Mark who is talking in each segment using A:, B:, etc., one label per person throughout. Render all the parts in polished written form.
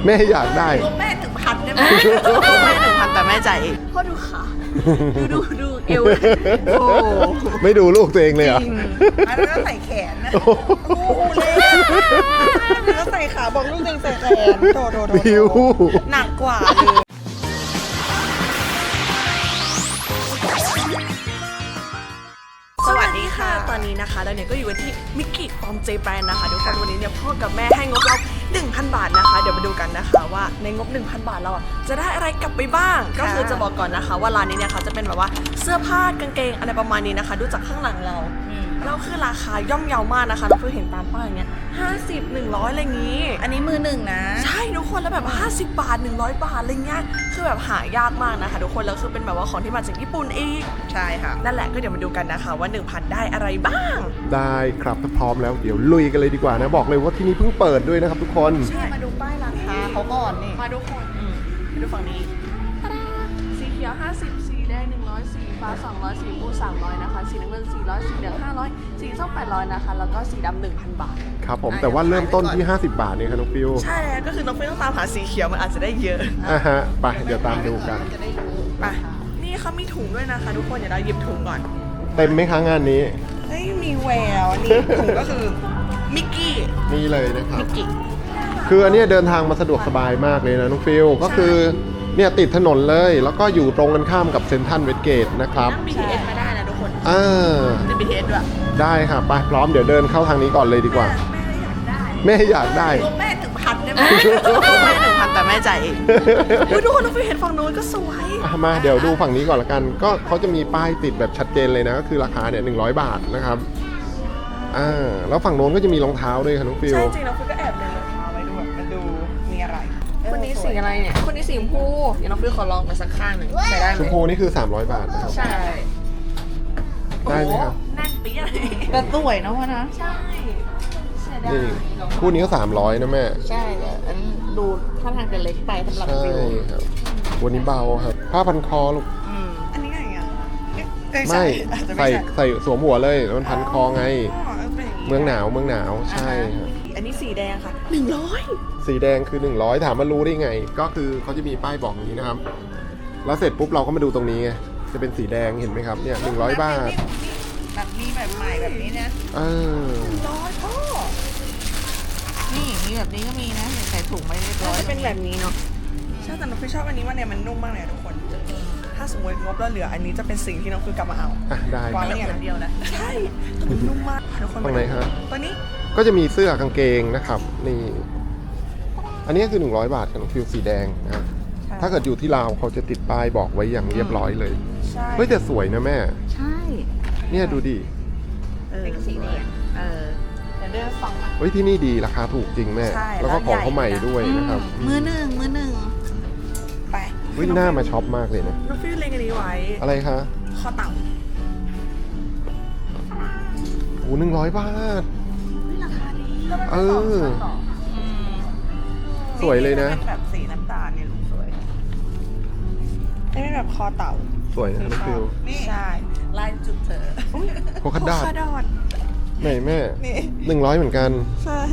A: แม่อยากได้
B: แม่1,000ได้ไหมแม่1,000แต่แม่จ่ายเองพ่อดูขาดูเอวโอ้
A: ไม่ดูลูกตัวเองเลยเหรอ
B: แล้วก็ใส่แขนนะโอ้โหเลยแล้วใส่ขาบอกลูกเองใส่แขนโดหนักกว่าเลยสวัสดีค่ะตอนนี้นะคะเราเนี่ยก็อยู่กันที่มิกกี้ฟอร์มเจแปนนะคะทุกคนวันนี้เนี่ยพ่อกับแม่ให้งบเรา 1,000 บาทนะคะเดี๋ยวมาดูกันนะคะว่าในงบ 1,000 บาทเราจะได้อะไรกลับไปบ้างก็คือจะบอกก่อนนะคะว่าร้านนี้เนี่ยเขาจะเป็นแบบว่าเสื้อผ้ากางเกงอะไรประมาณนี้นะคะดูจากข้างหลังเราคือราคาย่อมเยาวมากนะคะเราเพิ่งเห็นตามป้ายอย่างเงี้ย50 100อะไรอย่างงี้
C: อันนี้มือหนึ่งนะ
B: ใช่ทุกคนแล้วแบบ50 บาท100 บาทอะไรเงี้ยคือแบบหายากมากนะคะทุกคนแล้วคือเป็นแบบว่าของที่มาจากญี่ปุ่นอีก
C: ใช่ค่ะ
B: นั่นแหละก็เดี๋ยวมาดูกันนะคะว่า 1,000 ได้อะไรบ้าง
A: ได้ครับถ้าพร้อมแล้วเดี๋ยวลุยกันเลยดีกว่านะบอกเลยว่าที่นี่เพิ่งเปิดด้วยนะครับทุกคน
C: ใช่มาดูป้ายราคาเขาก่อนนี่
B: มาทุกคนมาดูฝั่งนี้สีเขียว50สีแดง100สีฟ้า200สีม่วง300นะคะสีน้ำเงิน400สีเหลือง500สีส้ม800นะคะแล้วก็สีดำ 1,000 บาท
A: ครับผมแต่ว่าเริ่มต้นที่50 บาทเนี่ยครับน้องฟิว
B: ใช่แล้วก็คือน้องฟิวต้องตามหาสีเขียวมันอาจจะได้เยอะ
A: ฮะไปเดี๋ยวตามดูกัน
B: ไปนี่เขามีถุงด้วยนะคะทุกคนเดี๋ยวเราหยิบถุงก่อน
A: เต็มไหมคะงานนี้
B: เฮ้ยมีแววนี่ถุงก็คือมิกกี้
A: นี่เลยนะครับ
B: มิกกี้
A: คืออันนี้เดินทางมาสะดวกสบายมากเลยนะน้องฟิวก็คือเนี่ยติดถนนเลยแล้วก็อยู่ตรงกันข้ามกับเซ็นทรัลเวสเกตนะครับ
B: นั่ง BTS มาได้นะทุกคน
A: ติ
B: ด BTS ด้วย
A: ได้ค่ะไปพร้อมเดี๋ยวเดินเข้าทางนี้ก่อนเลยดีกว่าแม่อยากได้
B: แม่1,000ได้ไหมแม่1,000แต่แม่จ่ายเองทุกคนน้องฟิวเห็นฝั่งโน้นก็สวย
A: มาเดี๋ยวดูฝั่งนี้ก่อนละกันก็เขาจะมีป้ายติดแบบชัดเจนเลยนะก็คือราคาเนี่ย100 บาทนะครับแล้วฝั่งโน้นก็จะมีรองเท้าด้วยค่ะน้องฟิว
B: ใช่จริงน้องฟิวก็แอบเลยรองเท้าไว้ด้วยมันดูมีอะไรคนนี้สีอะไรเนี่ยคนนี้สีชมพูเดี๋ยวน้องฟิวขอลองกันสักข้างหนึ่งใส่ได้ไหม
A: ชมพูนี่คือ300 บาทนะครับ
B: ใช่
A: ได้ไหมครับ
B: แน่นปี๊ด
C: แต่สวยนะวะนะ
B: ใช่
A: นี่คู่นี้ก็300นะแม่
C: ใช่แต่อันดูท่าทางจะเล็กไปสำหรับฟิว
A: ครับวันนี้เบาครับผ้าพันคอลูก
B: อันนี้ไงอ่ะ
A: ไม่ใส่สวมหัวเลยมันพันคอไงเมืองหนาวใช่ครับ
B: อันนี้สีแดงค่ะ100
A: สีแดงคือ100ถามว่ารู้ได้ไงก็คือเขาจะมีป้ายบอกอย่างนี้นะครับแล้วเสร็จปุ๊บเราก็มาดูตรงนี้ไงจะเป็นสีแดงเห็นไหมครับเนี่ย100 บาท
C: แบบมีแบบใหม่แบบนี้นะ
B: 100พ่อ
C: นี่มีแบบนี้ก็มีนะใส่ถุงไม่เรียบร้อย
B: จะเป็นแบบนี้เนาะใช่แต่น้องฟิวชอบอันนี้ว่าเนี่ยมันนุ่มมากเลยทุกคนถ้าสมมติงบเราเหลืออันนี้จะเป็นสิ่งที่น้องฟิวกลับมาเอา
A: ได้
B: วางไว้อย่างเดียวนะใช่มันนุ่มมากทุกคน
A: ตรงไหนครับ
B: ตัวนี้
A: ก็จะมีเสื้อกางเกงนะครับนี่อันนี้คือ100 บาทกับน้องฟิวสีแดงนะถ้าเกิดอยู่ที่ลาวเขาจะติดป้ายบอกไว้อย่างเรียบร้อยเลยเฮ้ยแต่สวยนะแม่
C: ใช่
A: เนี่ยดูดิ
C: เป็นสีแดง
B: เดี๋ยวเดินฟัง
A: เฮ้ยที่นี่ดีราคาถูกจริงแม่แล้วก็ของเขาใหม่ด้วยนะครับ
C: มือหนึ่ง
B: ไป
A: วิ่งหน้ามาช็อปมากเลยนะ
B: น้องฟิวเล็งอันนี้ไว้
A: อะไรคะ
B: คอเต่า
A: โอ้100 บาท
C: ราคาดี
A: สวยเลยนะ
B: เป็นแบบสีน้ำตาลเนี่ยลูกสวยนี่เป็นแบบคอเต่า
A: สวยนะน้องฟิว
B: ใช่ลายจุดเธอ
A: โคคัดดาดไหนแม่100เหมือนกัน
B: ใช่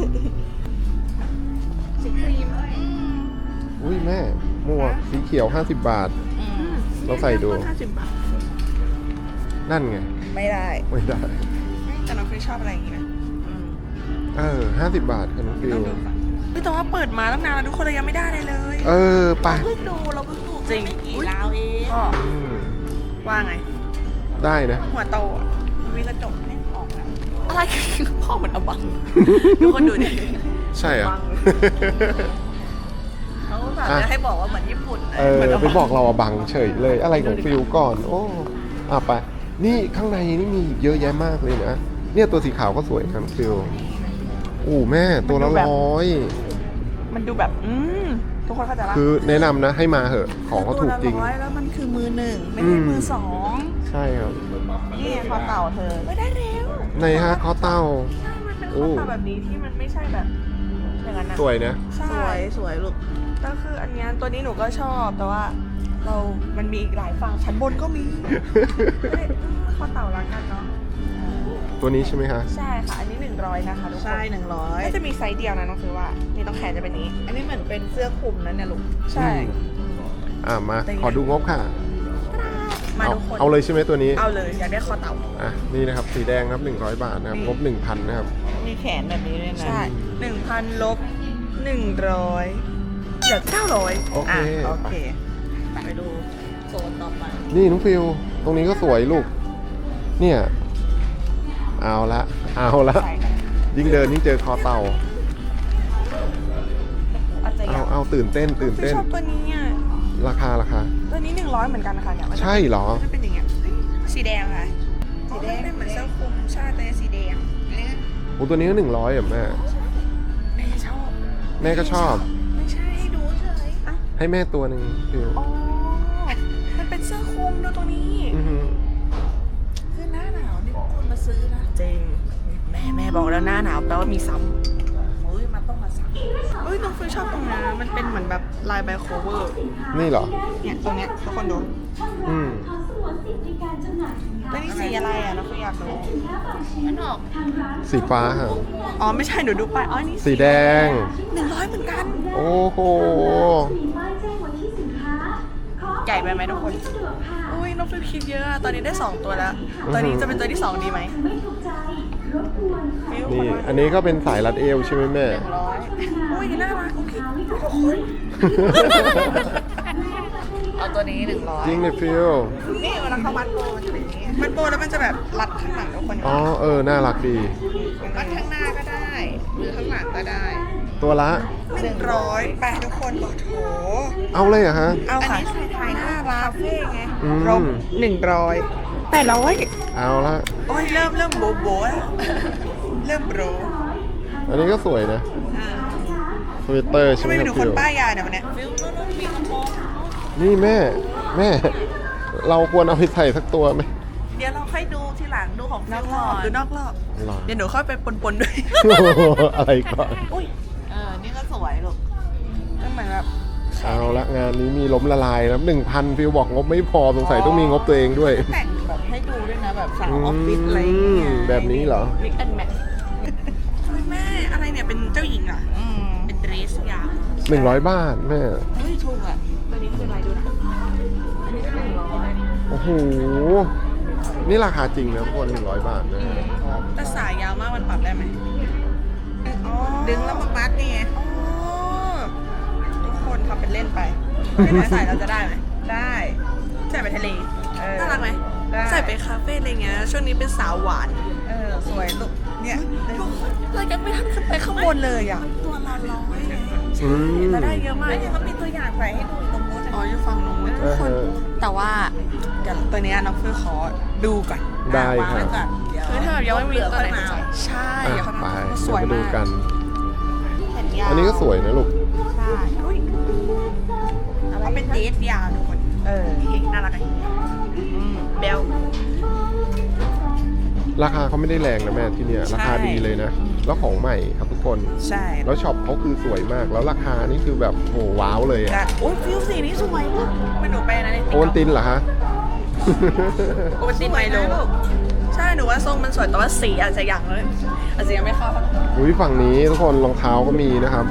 C: สีครีม
A: อุ้ยแม่หมวกสีเขียว50 บาทเราใส่ดู
B: 50 บาท
A: นั่นไง
B: ไม่ได้แต่น้องฟิวชอบอะไรอย่างงี้นะ
A: 50 บาทค่ะน้องฟิว
B: แต่ว่าเปิดมาตั้งนานแล้วทุกคนเรายังไม่ได้เลย
A: ไป
B: เราเพิ่งดู
C: จริงไม่กี่ลาวเอง
B: ว่าไง
A: ได้นะ
B: หัวโตมีกระจกเนี่ยออกแล้วอะไรพ่อเหมือนอบังทุกคนดูดิ
A: ใช่อ่ะ
B: เขาจะให้บอกว่าเหมือนญี่ปุ่น
A: ไปบอกเราบังเฉยเลยอะไรของฟิวก่อนโอ้ไปนี่ข้างในนี่มีเยอะแยะมากเลยนะเนี่ยตัวสีขาวก็สวยครับฟิวแม่ตัวละ100
B: มันดูแบบทุกคนเข้าใจป่ะ
A: คือแนะนำนะให้มาเหอะของเขาถูกจริง
B: แล้วมันคือมือหนึ่งไม่ใช่มือสอง
A: ใช่ครับ
B: นี่คอเต่าเธอไม่ได้เร็ว
A: ในฮะคอเต่า
B: ใช่มันเป็นคอเต่าแบบนี้ที่มันไม่ใช่แบบอย่างนั้นนะ
A: สวยนะ
B: สวยลูกก็คืออันนี้ตัวนี้หนูก็ชอบแต่ว่ามันมีอีกหลายฝั่งชั้นบนก็มีคอเต่ารักกันเนาะ
A: ตัวนี้ใช่ไหมคะ
B: ใช่ค่ะ อันนี้100นะคะทุกคน
C: ใช่100
B: น่าจะมีไซส์เดียวนะน้องคือว่า นี่ต้องแขนจะเป็นนี้
C: อันนี้เหมือนเป็นเสื้อคลุมนั่นเนี่ยลูก
B: ใช่
A: มาขอดูงบค่ะ
B: มาทุกคน
A: เอาเลยใช่ไหมตัวนี้
B: เอาเลยอยากได้คอเต่า
A: นี่นะครับสีแดงครับ100 บาทนะครับ
B: นี่
A: งบ 1,000 นะครับ
C: มีแขนแบบนี้ด้วยนะ
B: ใช่ 1,000 ลบ 100เหลือ900
A: โอเค
C: โอเคไปดูโซนต่อไป
A: นี่น้องฟิวตรงนี้ก็สวยลูก เนี่ย เอาละ
B: ใส่กัน
A: ยิ่งเดินยิ่งเจอคอเต่า
B: อาจจะอยาก
A: เอาตื่นเต้น
B: คือชอบตัวนี้อ่ะ
A: ราคา
B: ตัวนี้100เหมือนกันนะคะเนี่ยมันจะ
A: ใช่เหรอ
B: มันจะเป็นอย่างเงี้ยเฮ้ยสีแดงค่ะสีแดงเป็นเหมือนเสื้อคลุมใช่แต่สีแดงอันนี้
A: โอ้ตัวนี้ก็100อ่ะแม่
B: แม่ชอบ
A: แม่ก็ชอบ
B: ไม่ใช่ให้ดูเฉยอ่ะ
A: ให้แม่ตัวหนึ่งฟิว
B: อ๋อมันเป็นเสื้อคลุมดูตัวนี้
A: อหือ
C: คือหน้าหนาวนี่คนมาซื้อนะ
B: จริงแม่บอกแล้วหน้าหนาวแปลว่ามีซ้ำ
C: โอ้ยมันต้องมาสั่ง
B: เอ้ยน้องฟิวชอบตรงนี้มันเป็นเหมือนแบบลายใบโคเวอร์
A: นี่เหรอ
B: เนี่ยตรงเนี้ยทุกคนดู
A: อืม
B: แล้วนี่สีอะไรอ่ะน้องฟิวอยากรู้
C: มันออก
A: สีฟ้าค่ะ
B: อ๋อไม่ใช่หนูดูไปอ๋อนี่
A: สีแดง
B: 100เหมือนกัน
A: โอ้โห
B: ใหญ่ไปไหมทุกคน อุ้ยน้องฟิวคิดเยอะอะตอนนี้ได้ 2 ตัวแล้ว ตอนนี้จะเป็นตัวที่ 2 ดีไหมฟิว
A: นี่ อันนี้ก็เป็นสายรัดเอวใช่ไหมแม่
B: 100อุ้ยน่ารักโอเคทุกคน
C: เอาตัวนี้100
A: จริงเลยฟิว
B: นี่เวลาเขามัดโบมันจะเป็นอย่างนี้มัดโบแล้วมันจะแบบรัดข้างหลังทุกคน
A: อ๋อ น่ารักดี
C: มัดข้างหน้าก็ได้ หรือข้างหลังก็ได้
A: ตัวละ
B: 100ไปทุกคนบอกโถ
A: เอาเลยเหรอฮะ
B: เอา
C: อัน
B: ค่ะ
C: นี้ใส่ถ่ายหน้า
B: คาเฟ่ไง
A: อืม
B: รบ100 800
A: เอาละ
B: โอ้ยเริ่มโบโบแล้วเริ่มโบร
A: อันนี้ก็สวยนะสเวตเตอร์ใช่
B: ทำ
A: ไหม
B: ไม
A: ค
B: มี
A: รับ
B: หนูค
A: ฟิ
B: น
A: ว
B: ป้ายยาเนี่ยวันเนี้ย
C: ฟิลโน่นมีกระโปรง
A: นี่แม่ เราควรเอาไปใส่สักตัวไหม
C: เดี๋ยวเราค่อยดูทีหลังดูของ
B: น
C: ฟิ
B: อ
C: ล
B: กร
C: ก่
B: อ
C: อบ น
B: ดูนอกรอบ
A: หรอ
B: เดี๋ยวหนูเข้าไปปนๆด้วย
A: อะไรก่อน
B: อุ้ย
C: นี่ก็สวยลูก
B: มันเหมือนแบบ
A: เอาละงานนี้มีล้มละลายนะ1,000ฟิวบอกงบไม่พอสงสัยต้องมีงบตัวเองด้วย
C: แต่งแบบให้ดูด้วยนะแบบสาวออฟฟิศอะไรอย่างเงี้ย
A: แบบนี้เหรอ
B: มิกแอนแมทแม่อะไรเนี่ยเป็นเจ้าหญิงอ่ะ
C: อืม
B: เป็นเดรสยาว
A: 100 บาทแม่
C: เฮ้ยถูกอ่ะ
B: ตัวนี้คืออะไรดูนะอันนี้ก็100
A: โอ้โห นี่ราคาจริงนะทุกคน100 บาทนะ
B: แต่สายยาวมากมันปรับได้ไหมอ๋อ
C: ดึงแล้วมามัดนี่ไง
B: อ๋อทุกคนทำเป็นเล่นไปไม่ได้ใส่เราจะได้ไหม
C: ได้
B: ใส่ไปทะเล
C: เออ
B: น่ารักไหม
C: ได้
B: ใส่ไปคาเฟ่อะไรเงี้ยช่วงนี้เป็นสาวหวาน
C: สวยลูกเนี่ย
B: เรายังไม่ทันขึ้นไปข้างบนเลยอ่ะ
C: ตัวละ100ไง
A: อืม
B: แล้วได้เยอะมาก
C: ไม่เนี่ยเขามีตัวอย่างใส่ให้ดูตรงนู้น
B: อ๋ออยู่ฝั่งนู้นทุกคน แต่ว่าเดี๋ยวตัวเนี้ยน้องเฟื่อขอดูก่อน
A: ได้
C: วาง
A: ครั
C: ไว้
A: บ
C: ก่อนเดี๋ยว
B: คือถ้าแบบยังไม่มีตัวไหน
C: เผื่อค่อยมา
B: ใช่
A: อ่ะ
B: เดี๋ยวเขา
A: ไป
B: ทำสวย
A: เดี๋ยวมาดู
B: มาก
A: กัน
B: แขนยาว
A: อันนี้ก็สวยนะลูก
B: ใช่อุ้ยเอาเป็นเดทยาวทุกคนนี่น่ารักไหมเบล
A: ราคาเขาไม่ได้แรงนะแม่ที่เนี่ย ราคาดีเลยนะ แล้วของใหม่ครับทุกคน
B: ใช่
A: แล้วช็อปเขาคือสวยมาก แล้วราคานี่คือแบบโหว้าวเลยอะ
B: โอ้ยฟิวสีนี้สวยมากไม่หนูไปนะเนี่ย
A: โอนตินเหรอฮะ
B: โอวัลตินไมโลใช่หนูว่าทรงมันสวยแต่ว่าสีอาจจะยังเลยอาจจะยังไม่เข้า
A: อุ้ยฝั่งนี้ทุกคนรองเท้าก็มีนะครับ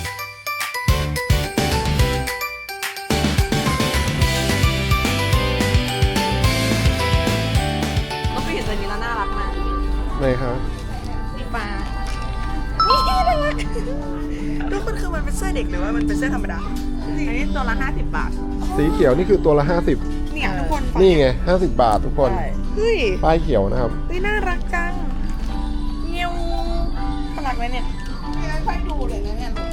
B: ก็ไปเห็นตัวนี้แล้วน่ารักมาก
A: ไหนครับ
B: นี่ปลานี่น่ารักทุกคนคือมันเป็นเสื้อเด็กหรือว่ามันเป็นเสื้อธรรมดา
C: อันนี้ตัวละ50 บาท
A: สีเขียวนี่คือตัวละ
B: เนี่ยทุกคน
A: 50 นี่ไง 50 บาททุกคน
C: ใช่
B: เฮ้ย
A: ป้ายเขียวนะครับ
B: เฮ้ยน่ารักจังเงี้ยวน่ารักไหมเนี่ย
C: ค่อยดูเลยนะเนี่ยลูก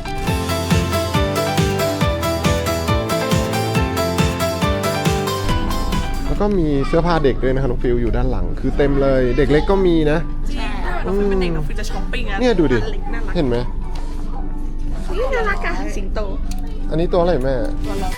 A: แล้วก็มีเสื้อผ้าเด็กด้วยนะครับน้องฟิวอยู่ด้านหลัง คือเต็มเลย เด็กเล็กก็มีนะ
B: ใช่น้องฟิวเป็นเด็กน้องฟิวจะช้อปปิ้งนะ
A: เนี่ยดูดิ
B: น่ารัก
A: เห็นไหม
B: น่ารักอะสิงโต
A: อันนี้ตัวอะไรแม่
B: ตัวเรา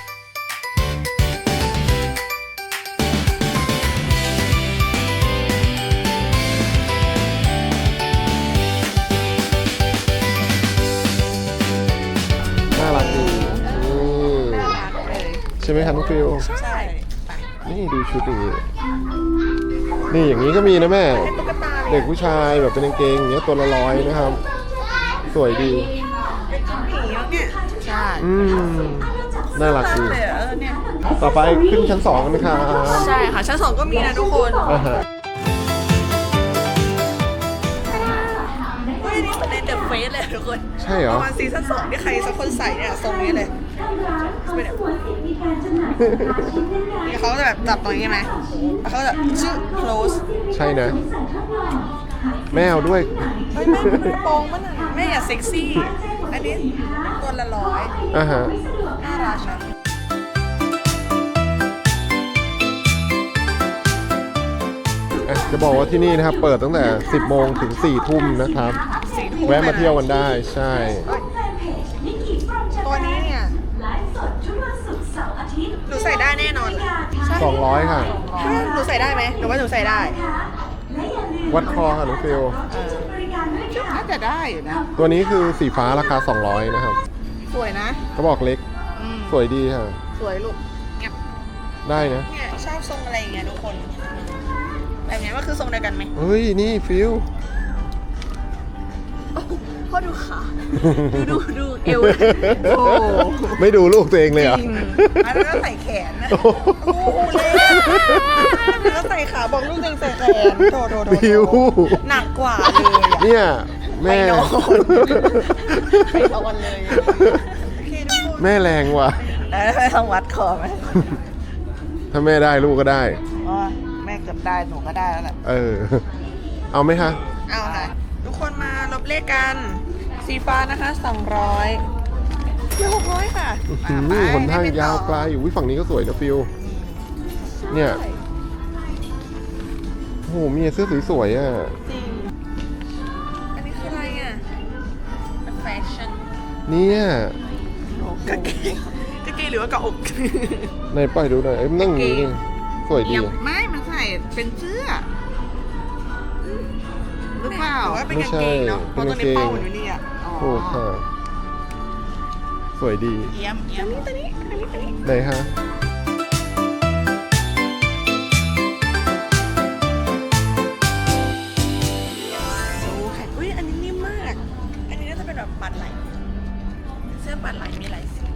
A: น่ารักดีนี่
B: น่ารักเลย
A: ใช่ไหมครับน้องฟิว
B: ใช่ไป
A: นี่ดูชุดอย่างนี้ นี่อย่างนี้ก็มีนะแม่
B: เป็นตุ๊กตา
A: เด็กผู้ชายแบบเป็นกางเกงอย่างเงี้ยตัวละ100นะครับ สวยดี
B: ผีแล้วเนี่ย
C: ใช่
A: น่ารักดี
B: เลยเนี่ย
A: ต่อไปขึ้นชั้น2กันนะครับ
B: ใช่ค่ะชั้น 2ก็มีนะทุกคน
A: อ่าฮะ
B: เฮ้ยนี่เป็นในเดอะเฟสเลยทุกคน
A: ใช่เหร
B: ป
A: อ
B: ระมาณซีซั่น2ที่ใครสักคนใส่เนี่ยทรงนี้เลยเป็นแบบนี่เขาจะแบบจับตรงนี้ใช่ไหมแล้วเขาจะชื่อ close
A: ใช่นะ แม่เอาด้วย
B: เฮ้ยแม่มันกระโปรงมันน่ะแม่อย่าเซ็กซี่ อันนี้ตัวละ100
A: อ่าฮะ
B: น่ารักนะ
A: จะบอกว่าที่นี่นะครับ เปิดตั้งแต่ 10 โมงถึง 4 ทุ่มนะครับ
B: 4 ทุ่ม
A: แวะมาเที่ยวกันได้ ใช่
B: ตัวนี้เนี่ยหนูใส่ได้แน่นอนใช่
A: 200 ค่ะ
B: หนูใส่ได้ไหมหนูว่าหนูใส่ได้
A: วัดคอค่ะน้องฟิล
C: น่าจะได้อยู่นะ
A: ตัวนี้คือสีฟ้าราคา 200 นะครับ
B: สวยนะ
A: เขาบอกเล็ก
C: อืม
A: สวยดีค่ะ
C: สวยลูก
A: ได้นะ
B: เนี่ยชอบทรงอะไรอย่างเงี้ยทุกคน แบบเนี้ยมันคือทรงเดียวกันไหม
A: เฮ้ย นี่ฟิล
B: พ่อดูขาดูเอว
C: โอ้
A: ไม่ดูลูกตัวเองเลยเหรอ
B: จริงอันนั้นก็ใส่แขนนะ
A: โอ้โห
B: โอ้โหเลยแล้วใส่ขาบอกลูกตัวเองใส่แขนโด
A: ฟิว
B: หนักกว่าเลยอะ
A: เนี่ย แม่
B: ไปนอนไปนอนเลยโอเคทุกคน
A: แม่แรงว่ะ
B: แล้วไปทำวัดคอไหม
A: ถ้าแม่ได้ลูกก็ได้
C: อ๋อแม่เกือบได้หนูก็ได้แล้วแหละ
A: เออ เอาไหมคะ
B: เอาค่ะ ทุกคนมาลบเลขกัน สีฟ้านะคะ200เดี๋ยว600ค่ะ
A: หนทางยาวไกลอยู่ฝั่งนี้ก็สวยนะฟิลเนี่ย โอ้โห มีเสื้อสวยๆอ่ะ
B: จริง อันนี้คืออะไรอ่ะเป็นแฟชั่น
A: เนี่ย
B: กางเกงหรือว่ากระอก
A: ไหนปล่อยดูหน่อยเอ้ยมันนั่งอย่างนี้ดิสวยดี
C: ไม่มันใส่เป็นเสื้อหรือเปล่า
B: หรือว่าเป็นกางเกงเนาะเพราะตัวนี้เป้าอยู่นี่อ่ะ
A: ถูกค่ะ สวยดี
C: เยี่ยม
B: ตัวนี้
A: ไหนฮะ
B: ดูค่ะอุ้ยอันนี้นิ่มมาก อันนี้น่าจะเป็นแบบปัดไหลเสื้อปัดไหลมีหลายสี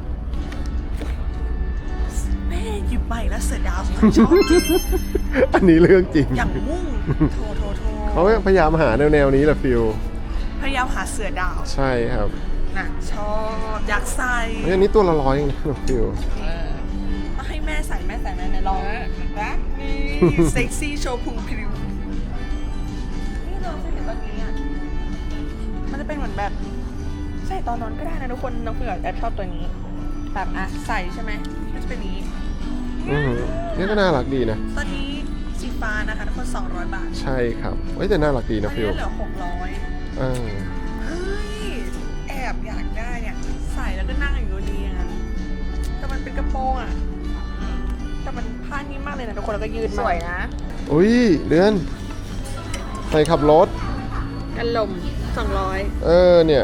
B: แม่หยิบใบแล้วเสือดาวสวยชอบจริง
A: อันนี้เรื่องจริง
B: อย่างมุ่งโท
A: เขาพยายามหาแนวนี้แหละฟิล
B: พยายามหาเสือดาว
A: ใช่ครับ
B: น่ะชอบอยากใส่
A: เฮ้ยอันนี้ตัวละ100เองนะฟิล
B: ต้องให้แม่ใส่แม่ในลองนะนี่เซ็กซี่โชว์พุงพริ้วนี่เราจะเห็นตอนนี้อ่ะมันจะเป็นเหมือนแบบใส่ตอนนอนก็ได้นะทุกคนน้องเผือกแอบชอบตัวนี้แบบอ่ะใส่ใช่ไหมมันจะเป็นนี้
A: นี่ก็น่ารักดีนะ
B: ตอนนี้สีฟ้านะคะทุกคน200 บาท
A: ใช่ครับเฮ้ยแต่น่ารักดี
B: ตอ
A: นะ
B: น
A: ฟิ
B: นี้
A: ล
B: เหลือ600
A: อ่า
B: เฮ้ยแอบอยากได้เนี่ยใส่แล้วก็นั่งอยู่ดีอย่างนั้นแต่มันเป็นกระโปรงอ่ะแต่มันผ้านิ่มมากเลยนะทุกคนแล้วก็ยืด
C: ส
B: มาก
C: วยนะ
A: อุ้ยเดือนใส่ขับรถ
B: กันลม200
A: เนี่ย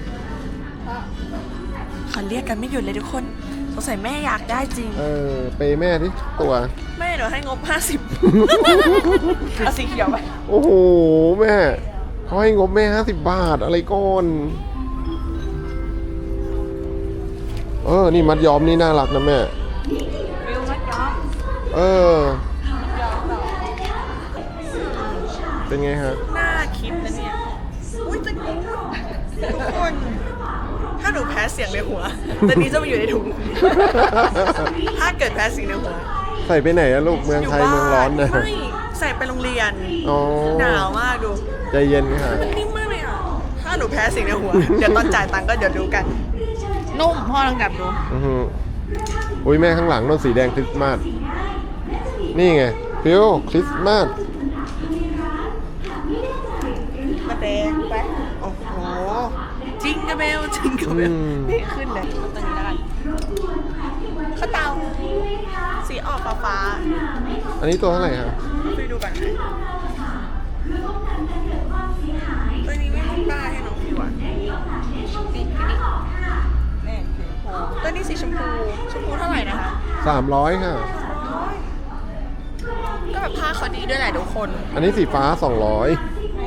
B: เขาเรียกกันไม่หยุดเลยทุกคนสงสัยแม่อยากได้จริง
A: ไปแม่ที่ตัว
B: แม่เดี๋ยวให้งบ 50 เอาสีเขียวไป
A: โอ้โห แม่เขาให้งบแม่50 บาทอะไรก่อน นี่มัดย้อมนี่น่ารักนะแม่
B: วิวมัดย้อม
A: เป็นไงฮะ
B: น่าคิดนะเนี่ย อุ้ยจะกูดทุกคน ถ้าหนูแพ้เสียงในหัวตอนนี้จะมาอยู่ในถุง ถ้าเกิดแพ้เสียงในหัว
A: ใส่ไปไหนอะลูกเมืองไทยเมืองร้อนนะ
B: ไม่ใส่ไปโรงเรียน
A: อ๋อ
B: หนาวมากดู
A: ใจเย็นค่ะ
B: มันนิ่มมากเลยอ่ะ ถ้าหนูแพ้เสียงในหัว เดี๋ยวตอนจ่ายตังค์ก็เดี๋ยวดูกัน
C: นุ่มพ่อลองจับดู
A: อุ้ยแม่ข้างหลังโน่นสีแดงคริสต์มาส นี่ไงฟิวคริสต์มาส
B: มาแดงไป โอ้โห จริงกระเบลจริงกระเบลนี่ขึ้นเลยเอาตัวนี้แล้วกันข้าวเตาสีออกฟ้า
A: อันนี้ตัวเท่าไหร่ครับ
B: ๆไปดูกันนะตัวนี้ไม่มีป้ายให้น้องฟิวอ่ะนี่ตัวนี้สีชมพู ชมพูเท่าไหร่นะคะ
A: 300 ค่ะ
B: ก็แบบผ้าเขาดีด้วยแหละทุกคน
A: อันนี้สีฟ้า 200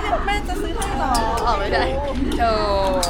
B: แม่จะซื้อให้หรอ
C: อ๋อไม่ได้โชว์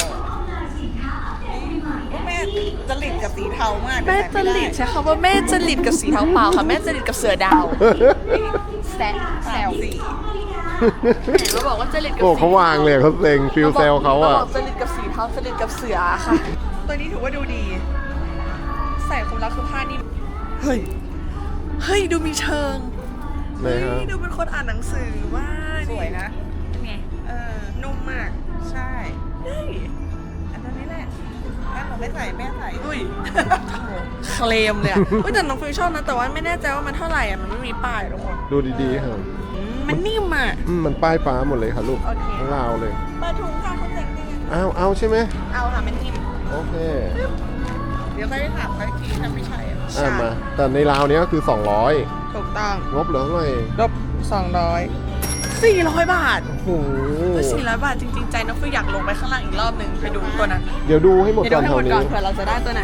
B: แม่จริตกับสีเทามาก
C: แม่จริตใช่คำว่าแม่จริตกับสีเทาเปล่าค่ะแม่จริตกับเสือดาวแซวสีเห็นว่าบอกว่าจริตกับ
A: โอ้
C: สี
A: เขาวางเลยเขาเซ็งฟิลเซลเขาอ่ะ
C: บอกจริตกับสีเทาจริตกับเสือค่ะ
B: ตัวนี้ถือว่าดูดี ใส่คลุมแล้วคือผ้านิ่มเฮ้ยดูมีเชิง
A: ไหน
B: เฮ้
A: ฮะ
B: ยดูเป็นคนอ่านหนังสือว่า
C: สวยนะเป็นไง
B: นุ่มมาก
C: ใช่
B: เฮ้ย
C: อันนี้แหละแม่ผมไม่ใส่แม่ใส่
B: อุ้ย เคลมเลยอ่ะอุ้ยแต่น้องฟิวชอบนะแต่ว่าไม่แน่ใจว่ามันเท่าไหร่อ่ะมันไม่มีป้ายทุกคน
A: ดูดีๆครับ
B: มันนิ่มอ่ะ
A: มันป้ายฟ้าหมดเลยค่ะลูก
B: โอเค
A: ทั้งราวเลย
B: ปลาถุงค่ะคนแต่งจริง
A: เอาใช่ไหม
B: เอาค่ะมันนิ่ม
A: โอเค
C: เดี๋ยวค่อยไปถามเขาอีกทีถ้าไม่ใช่อะ
A: มา แต่ในราวเนี้ยก็คือ 200
B: ถูกต้อง
A: งบเหลือเท่าไหร่
B: ลบ400 บาท
A: โอ้โห
B: 400 บาทจริงๆใจน้องฟิวอยากลงไปข้างล่างอีกรอบหนึ่งไปดูตัวนั้น
A: เดี๋ยวดูให้หมด
B: เดี๋ยว
A: ก่อน
B: ดูให้
A: แถ
B: หม
A: ว
B: ดก่อน
A: นี้
B: เผื่อเราจะได้ตัวไหน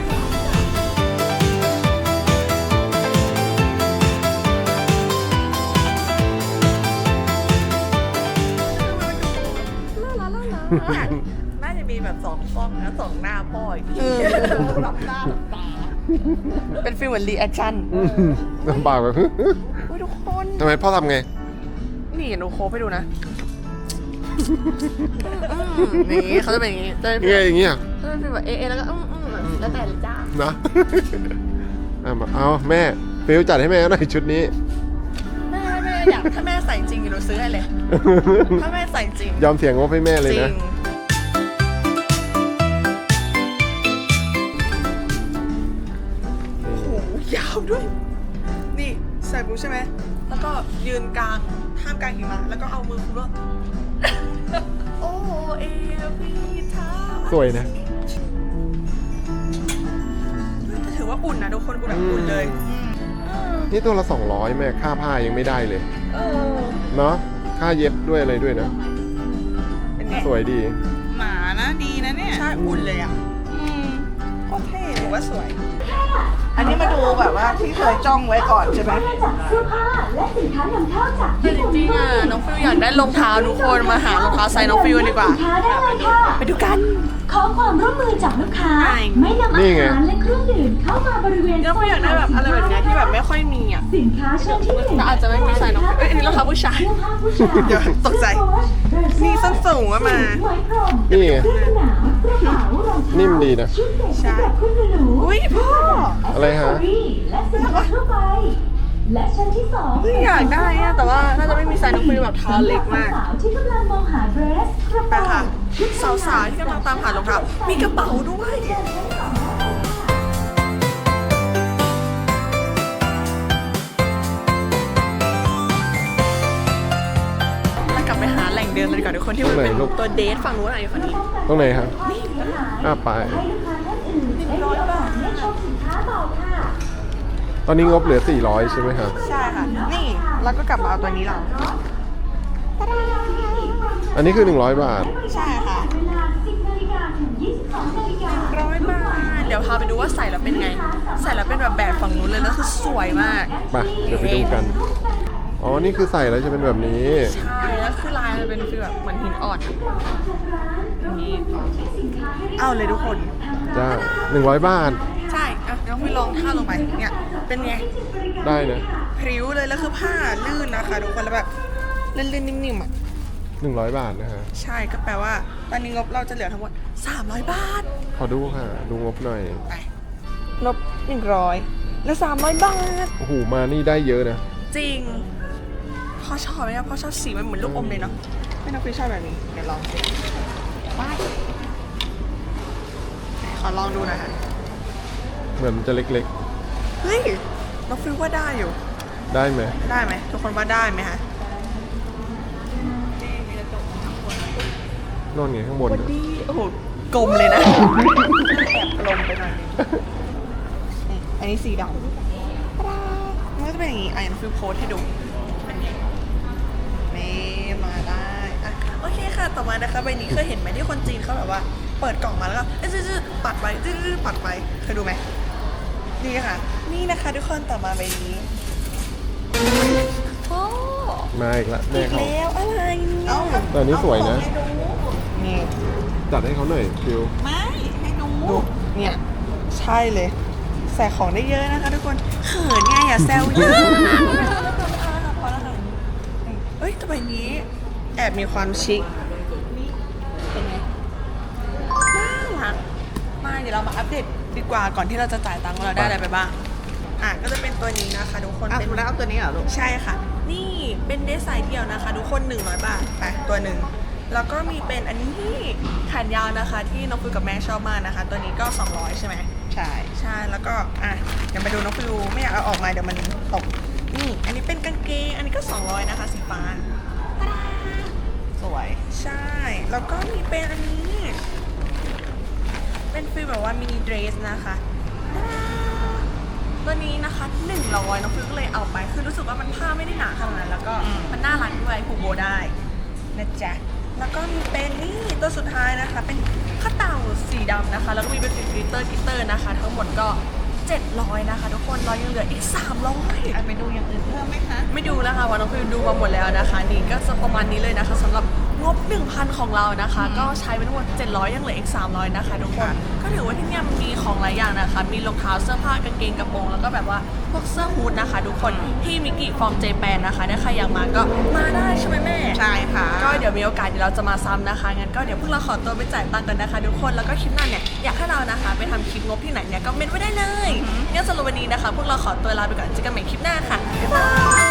B: น่าจะมีแบบ2กล้องนะ2หน้าพ่ออีกทีหลับหน้าหลับตาเป็นฟีลเหมือนรีแอคชั่น
A: ลำบากแบบ
B: อุ้ยทุกคน
A: ทำไมพ่อทำไง
B: นี่หนูโค้ชไปดูนะนี่เขาจะเป็นอย่างนี้จะเป็น
A: เงี้ยอย่างเงี้ย
B: เขาจะเป็นแบบเอแล้วก็แล้วแต่เลยจ้า
A: นะ เอาแม่ฟิลจัดให้แม่หน่อยชุดนี้
B: แม่อยากถ้าแม่ใส่จริงหนูซื้อให้เลย ถ้าแม่ใส่จริง
A: ยอมเสียงงบให้แม่เลย
B: จริ
A: นะ
B: งโอ้โหยาวด้วย นี่ใส่ปุ๊บใช่ไหมแล้วก็ยืนกลางท่ามกลางหิมะแล้วก็เอามือคุมว่า โอ้เอวีท้า
A: สวยนะ
B: แต่ถือว่าอุ่นนะทุกคนอุ่นแบบอุ่นเลย
A: นี่ตัวละ 200 แม่ค่าผ้ายังไม่ได้เลย
B: เออ
A: เนาะค่าเย็บด้วยอะไรด้วยนะ
B: เป็นไง
A: สวยดี
C: หมานะดีนะเนี่ย
B: ใช่อุ่นเลยอ่ะโคตรเท่ถือว่าสวย
C: อันนี้มาดูแบบว่าที่เคยจ้องไว้ก่อนใช่ไหม
D: จากเสื้อผ้าและสินค้านำเข้าจาก
B: แต่จริงๆอ่ะน้องฟิวอยากได้รองเท้าทุกคนมาหารองเท้าไซส์น้องฟิวกันดีกว่า
D: สินค้าได้เลยค่ะ
B: ไปดูกัน
D: ขอความร่วมมือจากลูกค้า
B: ใช่
D: ไม่นำอา
A: นี่ไง
D: หารและเครื่องดื่มเข้ามาบริเวณ
B: น้องฟิวอยากได้แบบอะไรแบบเนี้ยที่แบบไม่ค่อยมีอ่ะ
D: สินค้าชั้นที่หนึ่ง
B: แต่อาจจะไม่มีไซส์น้องฟิวเอ้ยอันนี้รองเท้าผู้ชาย
D: เสื้อผ้าผู้ชาย
B: เดี๋ยวตกใจ นี่ส้นสูงอะมา
D: ไหมพรม
A: นี่ไง
D: เสื้อกันหนาวกระเป๋ารองเท้า
A: นิ่มดีนะ
D: ชุดเด็กสำหรับคุณหนู
B: อุ้ยพ่อ
A: อะไรฮะ
D: และสินค้าทั่วไป และชั้นที่สอง
B: เฮ้ยอยากได้อะแต่ว่าน่าจะไม่มีไซส์น้องฟิวแบบเท้าเล็กมาก
D: สาวๆที่กำลังมองหาเดรสกระ
B: ไป
D: เป๋า
B: ค่ะสาวๆที่กำลังตามหารองเท้ามีกระเป๋าด้วย มากลับไปหาแหล่งเดินเลยดีกว่อนทุกคนที่มันเป็น
A: ตรงไหนลูก
B: ตัวเดทฝั่งนู้นอะไรฝั่งนี้
A: ตรงไหนครับ ไป
D: ให้ลูกค้าท่านอื่นได้มีโอกาสได้ชมสินค้าต่อค่ะ
A: ตอนนี้งบเหลือ 400 ใช่ไหมครับ
B: ใช่ค่ะ นี่แล้วก็กลับมาเอาตัวนี้เรา
A: อันนี้คือ 100 บาท
B: ใช่ค่ะ
D: เวลา 10 นาฬิกาถึง 22 นาฬิกา
B: 100 บาท เดี๋ยวพาไปดูว่าใส่แล้วเป็นไง ใส่แล้วเป็นแบบฝั่งนู้นเลยแล้วคือสวยมาก
A: ไปเดี๋ยวไปดูกัน อ๋อ นี่คือใส่แล้วจะเป็นแบบนี้
B: ใช่แล้วคือลายมันเป็นฟีลแบบเหมือนหินอ่อนอย่างนี้เอาเลยทุกคน
A: จ้า 100 บาท
B: ใช่อ่ะน้องพี่ลองท่าลงไป เนี่ย เป็นไง
A: ได้นะ
B: พริ้วเลยแล้วคือผ้าลื่นนะคะทุกคนแล้วแบบลื่นๆนิ่มๆอ่ะ
A: 100 บาทนะฮะ
B: ใช่ก็แปลว่า ตอนนี้งบเราจะเหลือทั้งหมด300 บาท
A: ขอดูค่ะ ดูงบหน่อย
B: ไปลบ100แล้ว300 บาท
A: โอ้โห มานี่ได้เยอะนะ
B: จริงพ่อชอบไหมอะพ่อชอบสีมันเหมือนลูกอมเลยเนาะไม่น้องฟิวชอบแบบนี้เดี๋ยวลองสิว้ายไหนขอลองดูหนะคะ
A: เหมือนมันจะเล็ก
B: เฮ้ยน้องฟิวว่าได้อยู่
A: ๆ ได้ไหม
B: ได้ไหมทุกคนว่าได้ไหมคะ
A: นอนไงข้างบน
B: วัน
A: นะ
B: นี้โอ้โหกลมเลยนะ แอบกลมไปหน่อยนึงนี่อันนี้สีดำมันก็จะเป็นอย่างนี้อ่ะน้องฟิวโพสให้ดูเป็นไงนี่มาได้อ่ะโอเคค่ะต่อมานะคะใบนี้เคยเห็นไหมที่คนจีนเขาแบบว่า เปิดกล่องมาแล้วก็จื้อๆปัดไปจื้อๆปัดไปเคยดูไหมนี่ค่ะ นี่นะคะทุกคนต่อมาใบนี้โอ้
A: มาอีกละแม่เขา
B: แล้วอะไรเนี่ย
A: แต่อันนี้สวยนะ
B: นี่
A: จัดให้เขาหน่อยฟิว
C: ไม่ให้ดู
B: ดูเนี่ยใช่เลยใส่ของได้เยอะนะคะทุกคนเขินไงอย่าแซวเยอะพอแล้วค่ะเอ้ยแต่ใบนี้แอบมีความชิคเป็นไงน่ารักมาเดี๋ยวเรามาอัปเดตดีกว่าก่อนที่เราจะจ่ายตังค์ว่าเราได้อะไรไปบ้างก็จะเป็นตัวนี้นะคะทุกคน
C: คุณแล้วเอาตัวนี้เหรอลูก
B: ใช่ค่ะ นี่เป็นเดสไซน์เดียวนะคะทุกคน100 บาทไปตัวหนึ่งแล้วก็มีเป็นอันนี้แขนยาวนะคะที่น้องฟิวกับแม่ชอบมากนะคะ ตัวนี้ก็200ใช่ไหม
C: ใช่
B: ใช่แล้วก็เดี๋ยวมาดูน้องฟิวไม่อยากเอาออกมาเดี๋ยวมันตกนี่อันนี้เป็นกางเกงอันนี้ก็200นะคะสีฟ้าตาดา
C: สวย
B: ใช่แล้วก็มีเป็นอันนี้ เป็นฟิลแบบว่ามินิเดรสนะคะตาดาตัวนี้นะคะ100น้องฟิวก็เลยเอาไปคือรู้สึกว่ามันผ้าไม่ได้หนาขนาดนั้นแล้วก็มันน่ารักด้วยผูกโบได้นะจ๊ะแล้วก็มีเป็นนี่ตัวสุดท้ายนะคะเป็นข้าวเต่าสีดำนะคะแล้วก็มีเป็นกลิตเตอร์นะคะทั้งหมดก็700นะคะทุกคนเรายังเหลืออีก300
C: ไปดูอย่างอื่นเพิ่มไหมคะ
B: ไม่ดูแล้วค่ะวันน้องฟิวดูมาหมดแล้วนะคะนี่ก็จะประมาณนี้เลยนะคะสำหรับงบ 1,000 ของเรานะคะ ก็ใช้ไปทั้งหมด700ยังเหลืออีก300นะคะทุกคนก็ถือว่าที่เนี่ยมันมีของหลายอย่างนะคะมีรองเท้าเสื้อผ้ากางเกงกระโปรงแล้วก็แบบว่าพวกเสื้อฮู้ดนะคะทุกคนที่มิกิฟอร์มเจแปนนะคะถ้าใครอยากมาก็มาได้ใช่ไหมแม่
C: ใช่ค่ะ
B: ก็เดี๋ยวมีโอกาสเดี๋ยวเราจะมาซ้ำนะคะงั้นก็เดี๋ยวพวกเราขอตัวไปจ่ายตังค์กันนะคะทุกคนแล้วก็คลิปหน้าเนี่ยอยากให้เรานะคะไปทำคลิปงบที่ไหนเนี่ยก็เมนไว้ได้เลยงั้นสำหรับวันนี้นะคะพวกเราขอตัวลาไปก่อนเจอกันใหม่คลิปหน้าค่ะบ๊ายบาย